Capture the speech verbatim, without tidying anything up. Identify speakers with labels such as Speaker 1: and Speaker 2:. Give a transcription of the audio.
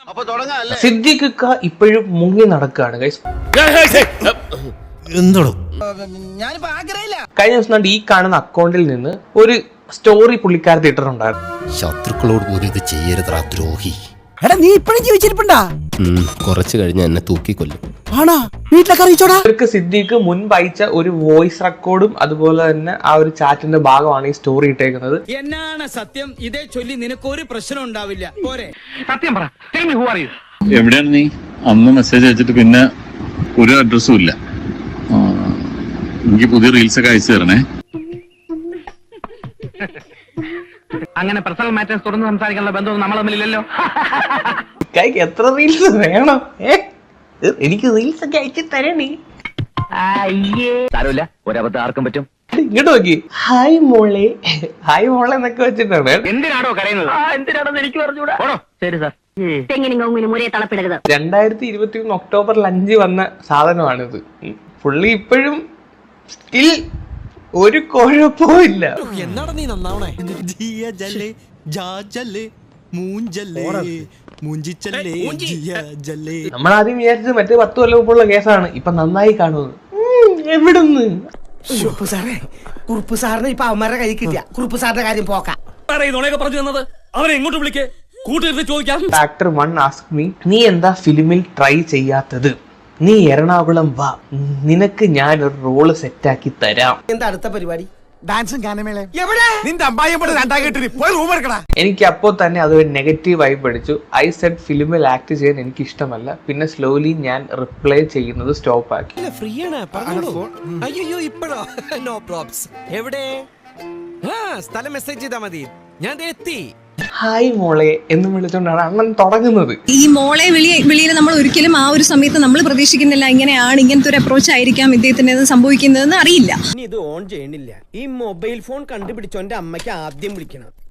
Speaker 1: സിദ്ദിഖ് ഇപ്പോഴും മുങ്ങി നടക്കുകയാണ് ഗൈസ്. കഴിഞ്ഞ ദിവസം ഈ കാണുന്ന അക്കൗണ്ടിൽ നിന്ന് ഒരു സ്റ്റോറി പുള്ളിക്കാരത്തി ഇട്ടിട്ടുണ്ടായിരുന്നു.
Speaker 2: ശത്രുക്കളോട് പോലും ഇത് ചെയ്യരുതാ ദ്രോഹി.
Speaker 3: എടാ നീ ഇപ്പഴും ജീവിച്ചിരിപ്പുണ്ടാ?
Speaker 2: കുറച്ചു കഴിഞ്ഞ് എന്നെ തൂക്കിക്കൊല്ലും.
Speaker 3: ആണാ? വീട്ടിലൊക്കെ അറിയിച്ചോടാ.
Speaker 1: ഇവർക്ക് സിദ്ദിഖ് മുൻപ് അയച്ച ഒരു വോയിസ് റെക്കോർഡും അതുപോലെ തന്നെ ആ ഒരു ചാറ്റിന്റെ ഭാഗമാണ് ഈ സ്റ്റോറി ഇട്ടേക്കുന്നത്.
Speaker 4: എന്നാണ് സത്യം? ഇതേ ചൊല്ലി നിനക്കൊരു പ്രശ്നം ഉണ്ടാവില്ല. പോരെ
Speaker 5: സത്യം പറ.
Speaker 6: എവിടെയാണ് നീ? അന്ന് മെസ്സേജ് അയച്ചിട്ട് പിന്നെ ഒരു അഡ്രസ്സും ഇല്ല. എനിക്ക് പുതിയ റീൽസ് ഒക്കെ അയച്ചു തരണേ.
Speaker 5: അങ്ങനെ പേഴ്സണൽ മാറ്റേഴ്സ് തുറന്ന് സംസാരിക്കാനുള്ള ബന്ധവും നമ്മൾ തമ്മിലില്ലല്ലോ.
Speaker 1: എത്ര റീൽസ് വേണം? എനിക്ക് റീൽസ് ഒക്കെ അയച്ചു തരണേ.
Speaker 5: സാരമില്ല, ഒരബദ്ധം ആർക്കും പറ്റും.
Speaker 1: ഇങ്ങോട്ട് നോക്കി. ഹായ് മോളെ, ഹായ് മോളെ എന്നൊക്കെ വെച്ചിട്ടാണ്.
Speaker 5: എന്തിനാണോ കരയുന്നത്? എന്തിനാണെന്ന് എനിക്ക് പറഞ്ഞുകൂടാ. ശരി സാർ.
Speaker 1: രണ്ടായിരത്തി ഇരുപത്തി ഒന്ന് ഒക്ടോബറിൽ അഞ്ച് വന്ന സാധനമാണിത്. പുള്ളി ഇപ്പോഴും സ്റ്റിൽ ഒരു കുഴപ്പവും ഇല്ല.
Speaker 3: എന്നാടാ നീ നന്നാവണേ?
Speaker 1: നമ്മളാദ്യം വിചാരിച്ചത് മറ്റേ പത്ത് കൊല്ലം മുമ്പുള്ള കേസാണ്. ഇപ്പൊ നന്നായി കാണുന്നത്. എവിടുന്ന്
Speaker 3: സാറേ, കുറുപ്പ് സാറിന് ഇപ്പൊ അവന്മാരുടെ കൈ കിട്ടിയ കുറുപ്പ് സാറിന്റെ കാര്യം പോക്കാം.
Speaker 4: പറഞ്ഞു തന്നത് അവനെ എങ്ങോട്ട് വിളിക്കേ? കൂട്ടിരുന്ന് ചോദിക്കാം.
Speaker 1: ആക്ടർ വൺ ആസ്ക് മീ, നീ എന്താ ഫിലിമിൽ ട്രൈ ചെയ്യാത്തത്? നീ എറണാകുളം വാ, നിനക്ക് ഞാൻ ഒരു റോള് സെറ്റാക്കി തരാം.
Speaker 3: എന്താ അടുത്ത പരിപാടി? ഡാൻസും ഗാനമേളയും.
Speaker 1: എനിക്ക് അപ്പോ തന്നെ അതൊരു നെഗറ്റീവ് വൈബ് അടിച്ചു. ഐ സെഡ് ഫിലിമിൽ ആക്ട് ചെയ്യാൻ എനിക്ക് ഇഷ്ടമല്ല. പിന്നെ സ്ലോലി ഞാൻ റിപ്ലൈ ചെയ്യുന്നത് സ്റ്റോപ്പ് ആക്കി.
Speaker 3: ഫ്രീ ആണ്. അയ്യോ ഇപ്പഴോ? No probs. എവിടെ? സ്ഥലം മെസ്സേജ് ചെയ്താ മതി, ഞാൻ എത്തി.
Speaker 1: ഹായ് മോളെ എന്ന് വിളിച്ചോണ്ടാണ് അണ്ണൻ തുടങ്ങുന്നത്.
Speaker 7: ഈ മോളെ വിളി വിളിയിൽ നമ്മൾ ഒരിക്കലും ആ ഒരു സമയത്ത് നമ്മൾ പ്രതീക്ഷിക്കുന്നില്ല ഇങ്ങനെയാണ്, ഇങ്ങനത്തെ ഒരു അപ്രോച്ച് ആയിരിക്കാം ഇദ്ദേഹത്തിന് സംഭവിക്കുന്നതെന്ന് അറിയില്ല.
Speaker 3: ഇനി ഇത് ഓൺ ചെയ്യണില്ല. ഈ മൊബൈൽ ഫോൺ കണ്ടുപിടിച്ചോന്റെ അമ്മയ്ക്ക് ആദ്യം വിളിക്കണം.